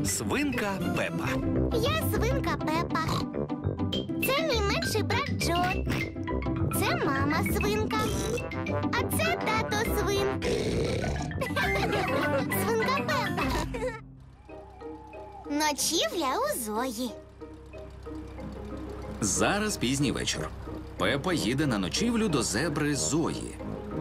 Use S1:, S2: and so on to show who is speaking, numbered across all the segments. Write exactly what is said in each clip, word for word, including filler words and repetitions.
S1: Свинка Пепа.
S2: Я свинка Пепа. Це мій менший брат Джо. Це мама свинка. А це тато свин. Свинка Пепа. Ночівля у Зої.
S1: Зараз пізній вечір. Пепа їде на ночівлю до зебри Зої.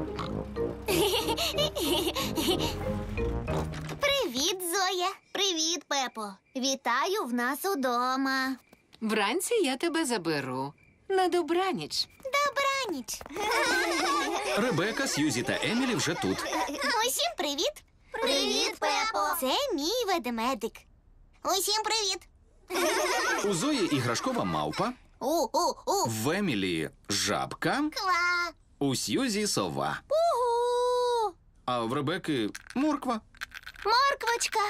S2: Привіт, Зоя. Привіт, Пепо. Вітаю в нас удома.
S3: Вранці я тебе заберу. На добраніч.
S2: Добраніч.
S1: Ребека, Сьюзі та Емілі вже тут.
S2: Усім привіт. Привіт, Пепо. Це мій ведмедик. Усім привіт.
S1: У Зої іграшкова мавпа,
S2: У-у-у.
S1: в Емілі жабка,
S2: Ква.
S1: у Сьюзі сова,
S2: Угу.
S1: а в Ребеки морква.
S2: Морквочка.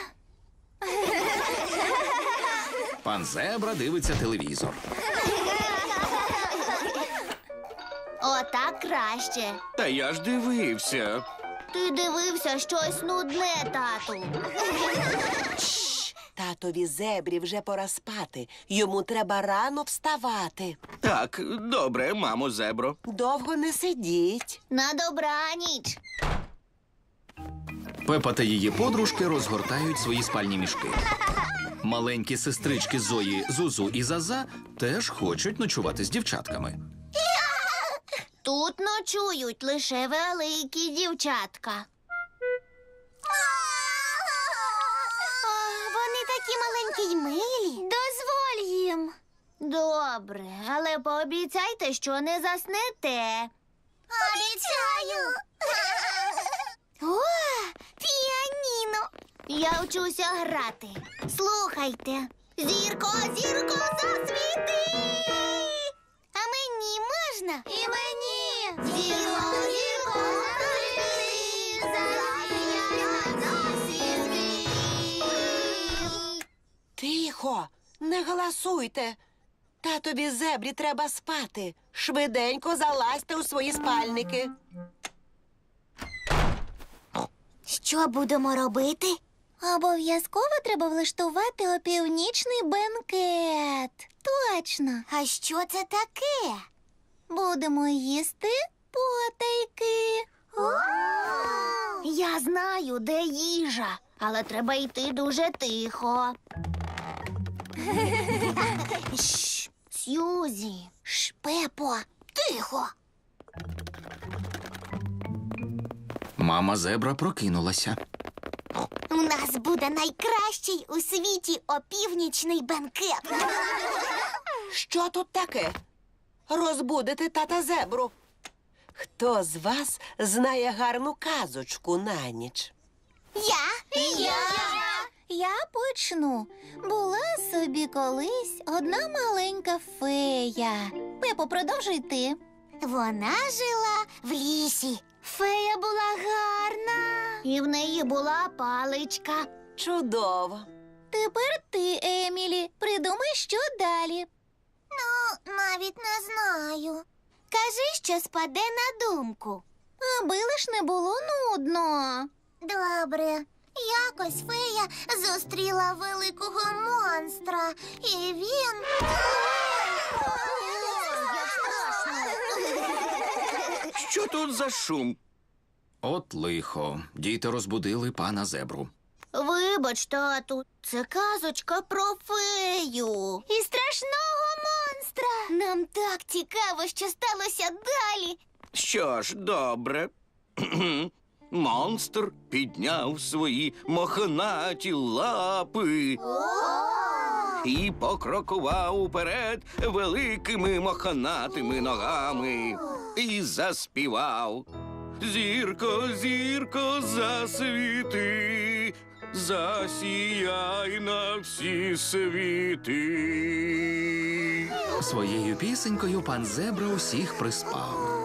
S1: Пан Зебра дивиться телевізор.
S2: Отак краще.
S4: Та я ж дивився.
S2: Ти дивився щось нудне, тату.
S5: Татові зебрі вже пора спати. Йому треба рано вставати.
S4: Так, добре, мамо зебро.
S5: Довго не сидіть.
S2: На добраніч.
S1: Пепа та її подружки розгортають свої спальні мішки. Маленькі сестрички Зої, Зузу і Заза теж хочуть ночувати з дівчатками.
S2: Тут ночують лише великі дівчатка. О, вони такі маленькі й милі. Дозволь їм. Добре, але пообіцяйте, що не заснете. Обіцяю. О, піаніно. Я вчуся грати. Слухайте. Зірко, зірко, засвіти. А мені можна? І мені. Зірко, зірко, засвіти. Засвіти на всі світ.
S5: Тихо, не галасуйте. Татові зебрі треба спати. Швиденько залазьте у свої спальники.
S2: Що будемо робити? Обов'язково треба влаштувати опівнічний бенкет. Точно. А що це таке? Будемо їсти потайки. Я знаю, де їжа, але треба йти дуже тихо. Шш, Сьюзі. Шш, Пепо, тихо.
S1: Мама зебра прокинулася.
S2: У нас буде найкращий у світі опівнічний бенкет.
S5: Що тут таке? Розбудите тата зебру. Хто з вас знає гарну казочку на ніч?
S2: Я? Я. Я почну. Була собі колись одна маленька фея. Пепо, продовжуй ти. Вона жила в лісі. Фея була гарна. І в неї була паличка.
S5: Чудово.
S2: Тепер ти, Емілі, придумай, що далі. Ну, навіть не знаю. Кажи, що спаде на думку. Аби лиш не було нудно. Добре. Якось фея зустріла великого монстра, і він...
S4: Що тут за шум?
S1: От лихо. Діти розбудили пана зебру.
S2: Вибач, тату, це казочка про фею. І страшного монстра. Нам так цікаво, що сталося далі.
S4: Що ж, добре. Монстр підняв свої мохнаті лапи і покрокував уперед великими мохнатими ногами і заспівав. Зірко, зірко, засвіти, засіяй на всі світи.
S1: Своєю пісенькою пан зебра усіх приспав.